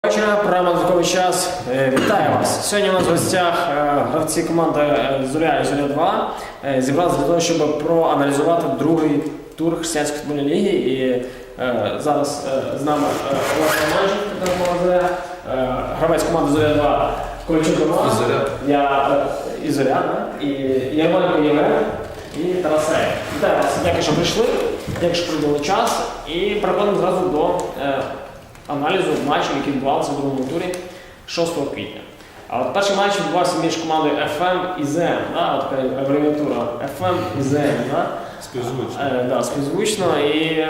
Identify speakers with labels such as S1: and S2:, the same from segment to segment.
S1: Програма «Додатковий час». Вітаю вас! Сьогодні у нас в гостях гравці команди «Зоря» і «Зоря-2» зібралися для того, щоб проаналізувати другий тур Християнської футбольної ліги. І зараз з нами Олег Романчик, гравець команди «Зоря-2» Ковальчук Роман, і «Зоря», і Ярмоленко Євген, і Тарасей. Вітаю вас! Дякую, що прийшли, дякую, що приділили час. І переходимо зразу до аналізу матчів, які відбувалися в другому турі 6 квітня. А от перший матч відбувався між командою FM і ЗМ, така абревіатура FM і ЗМ. Співзвучно. Співзвучно. І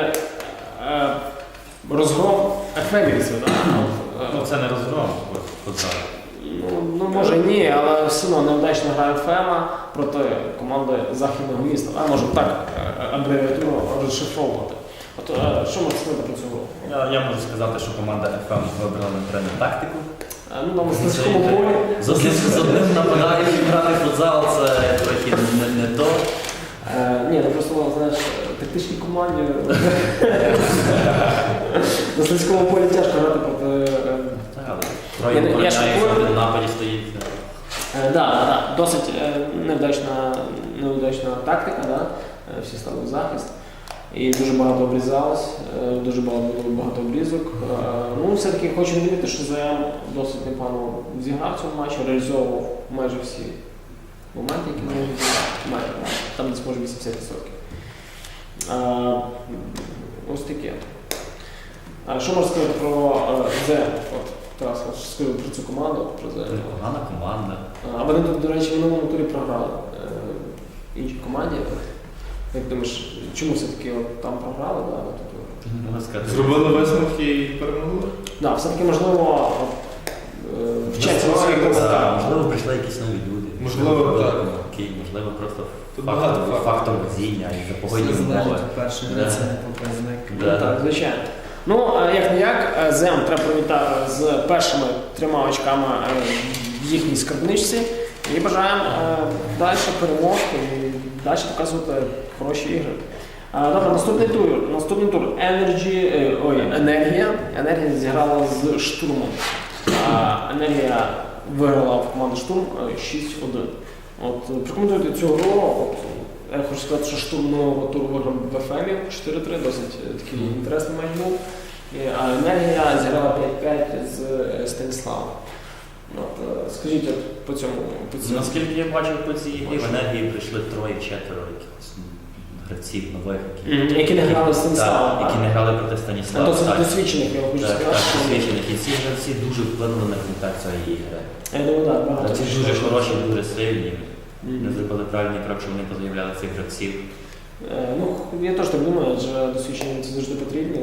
S1: розгром ефемівців.
S2: Це не розгром,
S1: Ну, може ні, але все одно неудачна гра ФМа проти команди західного міста. Може так абревіатуру розшифровувати. От, що можна сказати про цю гру?
S2: Я можу сказати, що команда FM вибрала неправильну тактику.
S1: На мистецькому полі.
S2: З одним нападаючим грати футзал – це трохи не то.
S1: Ні, ну просто, знаєш, тактичній команді на мистецькому полі тяжко грати проти...
S2: Троє обороняється, один в нападі стоїть.
S1: Так, досить неудачна тактика, всі стали в захист. І дуже багато обрізалось, дуже багато обрізок. Ну, все-таки хочу відмітити, що ЗМ досить непогано зіграв в цьому матчі, реалізовував майже всі моменти, які можна зіграти. Там десь може 80%. Ось таке. Що можна сказати про ЗМ? Тарас, скажу про цю команду, про ЗМ.
S2: Погана команда.
S1: А вони, до речі, в минулому турі програли іншій команді. Як думаєш, чому все-таки там програли?
S3: Зробили висновки і перемогли?
S1: Так, все-таки можливо вчаться на своїх помилках.
S2: Можливо, прийшли якісь нові люди.
S3: Можливо, так.
S2: Можливо, просто
S3: фактор
S2: везіння і за погодні умови.
S4: Перший це показник.
S1: Так, звичайно. Ну, як-не-як, ЗМ треба привітати з першими 3 очками в їхній скарбничці. І бажаємо далі перемог і далі показувати хороші ігри. Добре, наступний тур. Енергія зіграла з Штурмом. Енергія виграла в команду Штурм 6-1. Прокоментуйте цю гру. Я хочу сказати, що Штурм нового туру виграв в ФМі 4-3, досить такий інтересний матч був. А Енергія зіграла 5-5 з Станіславом. Скажіть по цьому.
S2: Наскільки я бачив по цій грі, в Енергії прийшли 3-4 якихось гравців нових,
S1: які не грали з Станіславом.
S2: які не грали проти Станіслава.
S1: Досвідчених, я хочу сказати.
S2: Так, досвідчених. І ці гравці дуже вплинули на комунікацію ігри.
S1: Я думаю, так, багато.
S2: Ці дуже хороші, дуже сильні. Не зробили правильний крок, що вони позаявляли цих гравців.
S1: Я теж так думаю, адже досвідчені це завжди потрібні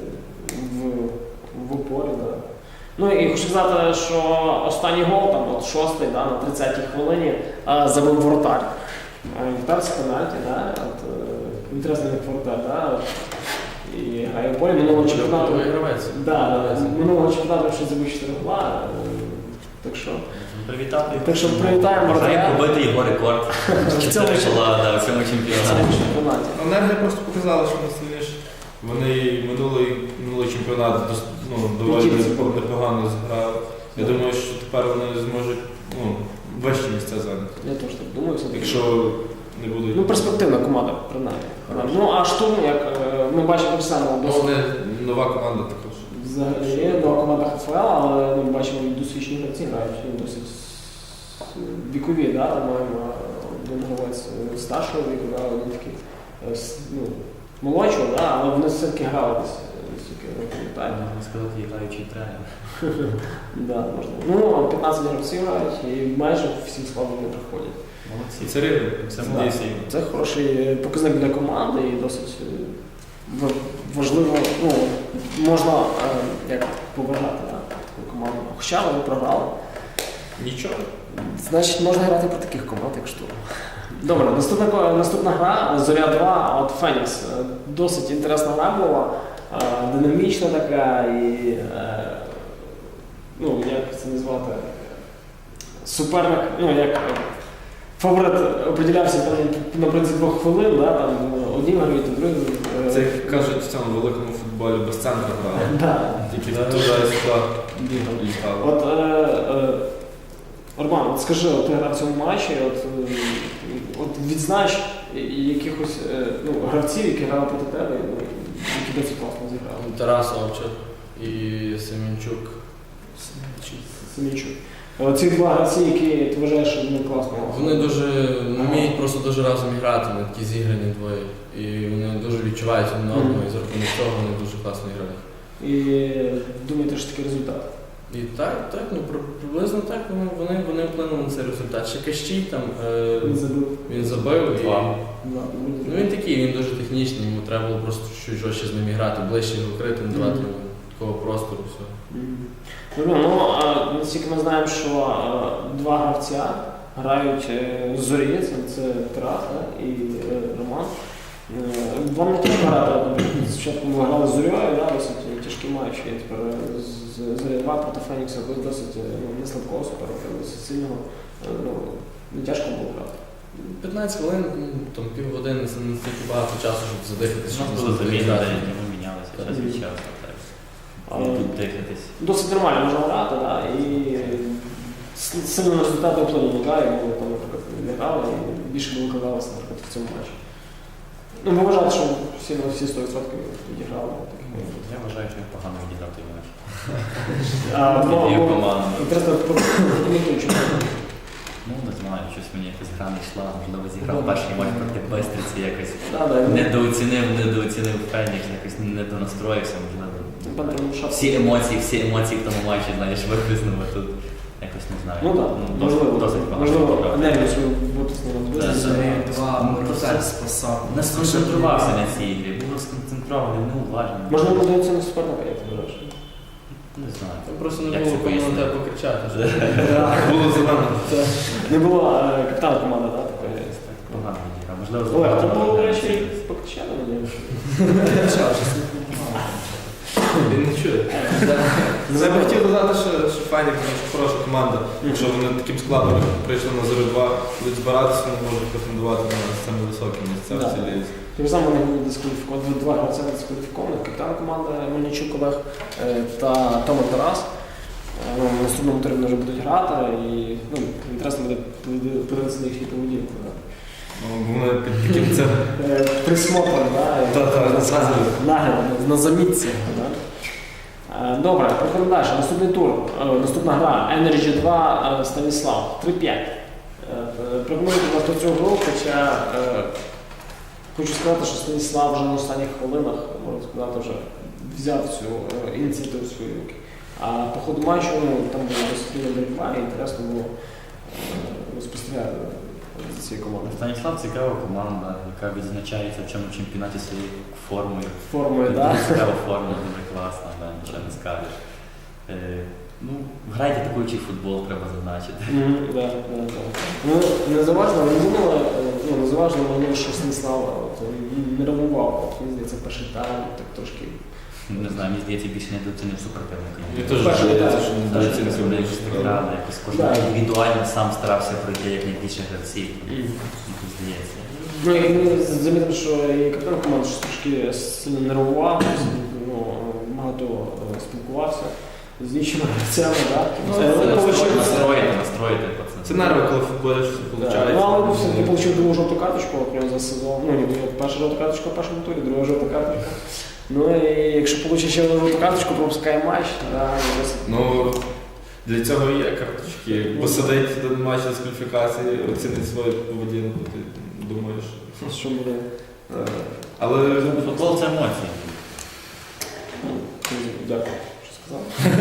S1: в упорі. І хочу сказати, що останній гол, 6-й, на 30-й хвилині, забив воротар. Воротар з пенальті, інтересний воротар, і грає в полі минулого чемпіонату. Минулого чемпіонату ще забив 4 гола. Так що привітаємо воротаря.
S2: Бажаємо побити його рекорд.
S1: В цьому
S2: чемпіонаті.
S3: Енергія просто показала, що вони сильніші. Вони минулий чемпіонат доволі непогано зіграли. Я думаю, що тепер вони зможуть вищі місця зайняти.
S1: Я теж так думаю.
S3: Якщо не будуть...
S1: Перспективна команда, принаймні. А Штурм, як ми бачимо так само,
S3: Вони нова команда також.
S1: Взагалі є нова команда ХФЛ, але ми бачимо, досвідчені гравці грають, досить вікові, маємо один гравець старшого віку, один такий молодшого, але вони все-таки грали десь.
S2: Можна сказати, граючий тренер.
S1: Можна. 15 гравців грають і майже всім складом не приходять.
S2: Молодці.
S3: Це рівно, це надійся.
S1: Це хороший показник для команди і досить важливо, можна побажати таку команду. Хоча вони програли.
S3: Нічого.
S1: Значить, можна грати про таких команд, як Штурм. Добре, наступна гра Зоря-2, Фенікс. Досить інтересна гра була, динамічна така і, як це назвати, суперник, як фаворит определявся на принципі 2 хвилин, одні грають, другі.
S3: Це, як кажуть, в цьому великому футболі без центру грали.
S1: Да.
S3: Тільки туди і сюди.
S1: бігали.
S3: Літали.
S1: От, Роман, от скажи, от ти грав в цьому матчі, от відзнач якихось гравців, які грали проти тебе, які досить класно зіграли.
S4: Тарас Овчар і Семенчук.
S1: Семенчук. Ці два гравці, які ти вважаєш, що вони класно.
S4: Вони дуже вміють просто дуже разом грати, вони такі зіграні двоє. І вони дуже відчувають один одного, і за рахунок цього вони дуже класно грають.
S1: І думаєте, що такий результат?
S4: І так, приблизно так вони вплинули на цей результат. Ще Кащій там він забив. І, він такий, він дуже технічний, йому треба було просто чуть жорстче з ним грати, ближче його крити, не давати йому такого простору. Все.
S1: Наскільки ми знаємо, що два гравця грають з Зорі, це Тарас і Роман. Вам не треба грати, спочатку ми грали з Зорьою, досить тяжкий матч, і тепер з Зоря 2 проти Фенікса досить не слабкого суперника, досить сильного, не тяжко було грати.
S4: 15 хвилин, там півгодини, це не стільки багато часу, щоб задихатися.
S2: У нас були заміни, ми мінялися час від часу. Дихатись.
S1: Досить нормально можна грати, і сильно результати вплинули, і ми там, наприклад, не грали, і більше не викладалися, наприклад, в цьому матчі. Ми вважаємо, що всі 100% відіграли.
S2: Я вважаю, що я погано відіграв той матч.
S1: Інтересно, прокоментуй, чому.
S2: Не знаю, щось мені якась гра не йшла, можливо, зіграв перший матч проти Бестриці, якось недооцінив Фенікс, якось недонастроївся, можливо. Всі емоції в тому матчі, знаєш, виписнув, а тут якось не знаю. Досить багато.
S1: Можливо, енергію свою виписнули.
S2: Не сконцентрувався на цій ігрі, був сконцентрований, неуважний.
S1: Можливо, недооцінив суперника, як ти вважаєш?
S2: Не знаю.
S4: Там просто не було кому на тебе покричати.
S3: Було зелено.
S1: Не було капітана команди, так?
S2: Погано відіграв. Можливо,
S1: Олег, це було, до речі, покричати, надіюсь.
S3: Він не чує. Я б хотів додати, що Фенікс хороша команда. Якщо вони таким складом прийшли на Зорю 2, будуть збиратися, вони можуть претендувати на саме високі місця в цій лізі.
S1: Тим самим вони були дискваліфіковані, два гравця дискваліфікованих, капітан команди Мельничук Олег та Тома Тарас. В наступному турі вони вже будуть грати, і інтересно буде подивитися на їхню поведінку.
S3: Вони під таким це...
S1: Присмотром, нагляд, на замітці. Добре, проходимо далі. Наступний тур, наступна гра Energy 2 Станіслав 3-5. Пропоную до цього гру, хоча хочу сказати, що Станіслав вже на останніх хвилинах, можна сказати, вже взяв цю ініціативу в свої руки. А по ходу матчу там була досить боротьба, і інтересно було спостерігати за цією командою.
S2: Станіслав цікава команда, яка відзначається в цьому чемпіонаті своєю формою.
S1: Так?
S2: Цікава форма, дуже класна, нічого не скажеш. Грайте атакуючий футбол, треба зазначити.
S1: Незаважно мені, що Станіслав не реагував. Мені здається, перший тайм так трошки.
S2: Не знаю, мені здається, більше недооцінив супротивника.
S3: Я теж здається, що недооцінив
S2: грали, якось кожен індивідуально сам старався пройти як найбільше гравців. Мені здається.
S1: Ми замітили, що і капітан команди трошки сильно нервував, багато спілкувався з іншими гравцями.
S2: Настроїти пацан.
S3: Це нерви, коли в футболі щось виходить.
S1: Але все-таки отримав другу жовту карточку за сезон. Перша жовта карточка в першому турі, друга жовта карточка. І якщо отримає ще одну жовту карточку, пропускає матч.
S3: Для цього є карточки. Посадить до матчу з кваліфікації, оцінить свою поведінку, ти думаєш.
S1: Що буде?
S3: Але
S2: футбол це емоції.
S1: Дякую, що сказав.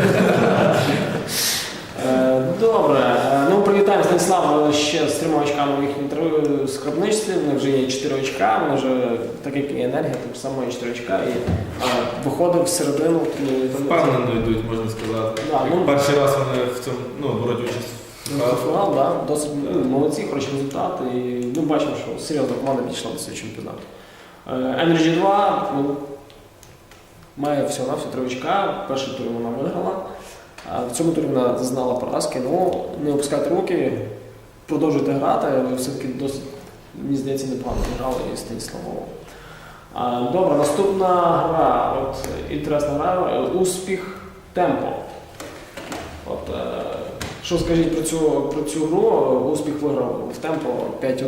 S1: Добре. Привітаємо Станіслава ще з 3 очками в їхній скарбничці. У них вже є 4 очка, вони вже, так як і енергія, так само є 4 очка. І виходив в середину.
S3: Впевнено йдуть, можна сказати. Перший раз вони в цьому беруть участь.
S1: Фінал, досить молодці, хороші результати. І бачимо, що серйозна команда підійшла до цього чемпіонату. Energy 2 має всього-навсього 3 очка. Перший тур вона виграла. В цьому турі вона зазнала поразки, не опускайте руки, продовжуйте грати, ви все-таки досить, мені здається, непогано грали і Станіславово. Добре, наступна гра, інтересна гра, успіх темпо. Що скажіть про цю гру? Успіх виграв в темпо 5-1.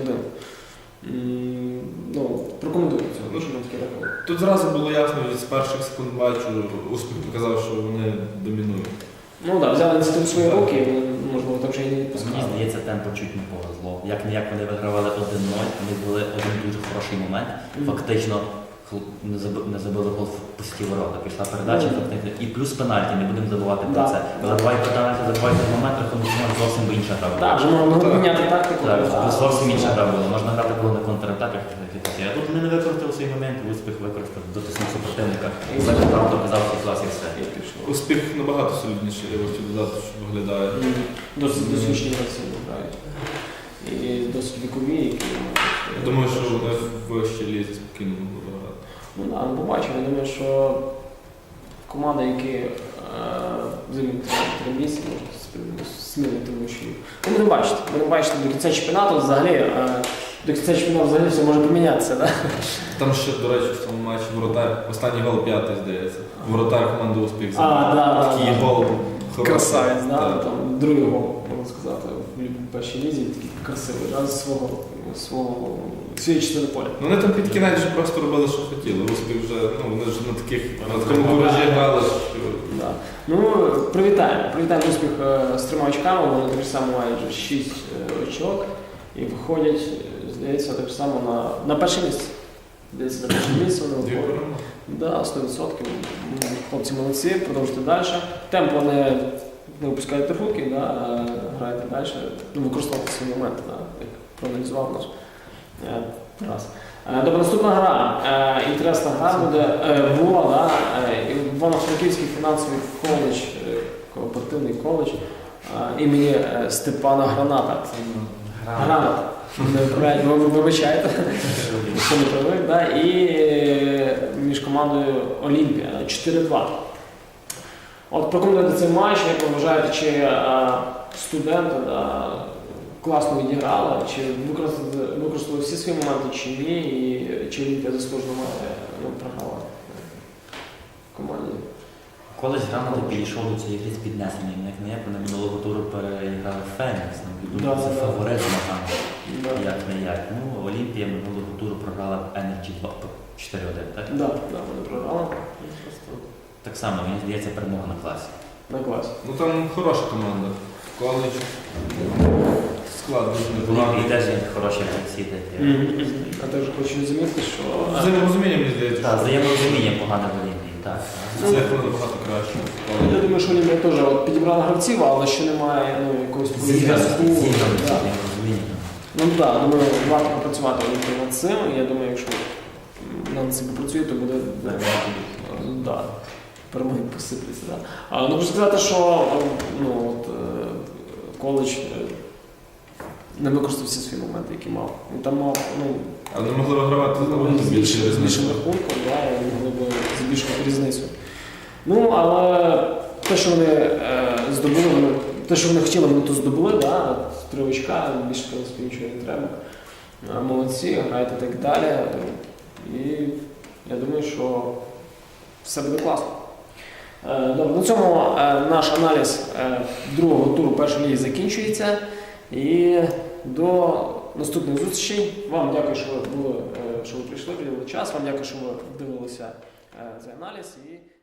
S1: Ну, прокоментуйте цього, що нам таке рахунок.
S3: Тут зразу було ясно, від з перших секунд бачу, успіх показав, що вони домінують.
S1: Ну так, взяли ініціативу в свої руки, і, можливо, так вже і не
S2: Мені
S1: відпускали.
S2: здається, темпо чуть не повезло. Як-не-як вони вигравали 1-0, вони були один дуже хороший момент. Фактично не забили гол в пусті ворота. Пішла передача, і плюс пенальті, не будемо забувати про
S1: Да.
S2: це. Забивай пенальті, забивай цей момент, рахунок зовсім би інша гра була.
S1: Так, вже можна поміняти тактику.
S2: Так,
S1: Так,
S2: зовсім інша гра була. Можна грати було на контратаках. А тут вони не використали свій момент, успіх використав, дотиснув супротивника, закатав, доказав свій клас і все.
S3: Успіх набагато солідніший, я хотів додати, що виглядає.
S1: Досить досвідчені гравці грають. І досить вікові, які
S3: Я думаю, що вони в вищій лізі спокійно могли грати.
S1: ну, да, ну, побачимо. Я думаю, що команди, які займуть 3 місяці, можуть сміло, тому що ну, будемо бачити до кінця чемпіонату взагалі. До кінця чемпіонату взагалі все може помінятися, так?
S3: Там ще, до речі, в цьому матчі воротар, останній гол 5-й, здається. Воротар команди «Успіх» такий гол.
S1: Красавець, да?
S3: Так.
S1: Там другий гол, можна сказати, в першій лізі, такий красивий, да? Своєї частини поля.
S3: Ну, вони там під кінець вже просто робили, що хотіли. «Успіх» вже, ну, вони ж на такому куражі грали, що...
S1: Да. Ну, привітаємо успіх з 3 очками, вони так само мають вже 6 очок і виходять, здається, так само на перше місце. Здається, на перше місце вони
S3: Дві
S1: виходять.
S3: перемоги.
S1: Да, 100%. Хлопці молодці, продовжуйте далі. Темпо не випускаєте руки, да, граєте далі, ну, використовуйте свій момент, да, як проаналізував наш раз. Добре, наступна гра. Інтересна гра буде була, да, Івано-Франківський фінансовий коледж, кооперативний коледж імені Степана Граната. Граната. Ви вибачаєте, що не привик, да? І між командою Олімпія 4-2. От прокоментуйте цей матч, як ви вважаєте, чи студенти класно відіграли, чи використали всі свої моменти, чи ні, і чи Олімпія заслужено програла команді.
S2: Колись грамоти підійшов до цієї гри з піднесенням. Як не як, вони минулого туру переіграли Фенікс.
S1: Да,
S2: Це
S1: да,
S2: фаворит змагання.
S1: Да.
S2: Як не як. Ну, Олімпія минулого туру програла Energy 2 4-1, так?
S1: Да, вони програли.
S2: Так само, мені здається, перемога на класі.
S1: На класі.
S3: Ну там хороша команда. Коледж. Склад дуже
S2: І
S3: непоганий.
S2: теж є хороші гравці такі.
S1: А також хочу замітити, що
S3: Взаєморозуміння, мені здається.
S2: Так, взаєморозуміння погане в Олімпії, так.
S3: Це набагато краще.
S1: я думаю, що Олімпія теж от підібрала гравців, але ще немає якогось зв'язку. Да. Ну так, думаю, варто попрацювати Олімпії над цим. Я думаю, якщо над цим попрацює, то буде да, перемоги посипляться. Да. Ну, хочу сказати, що коледж не використав всі свої моменти, які мав. Він там мав
S3: Але не могли вигравати
S1: з
S3: більше
S1: більшим
S3: різниці.
S1: рахунком, да, і могли б збільшувати різницю. Ну, але те, що вони здобули, те, що вони хотіли, вони то здобули, да, 3 очка, більше, в принципі, нічого не треба. Молодці, грають і так далі. І я думаю, що все буде класно. Добре, на цьому наш аналіз другого туру першої ліги закінчується. І до наступних зустрічей. Вам дякую, що ви прийшли, приділили час. Вам дякую, що ви дивилися цей аналіз. І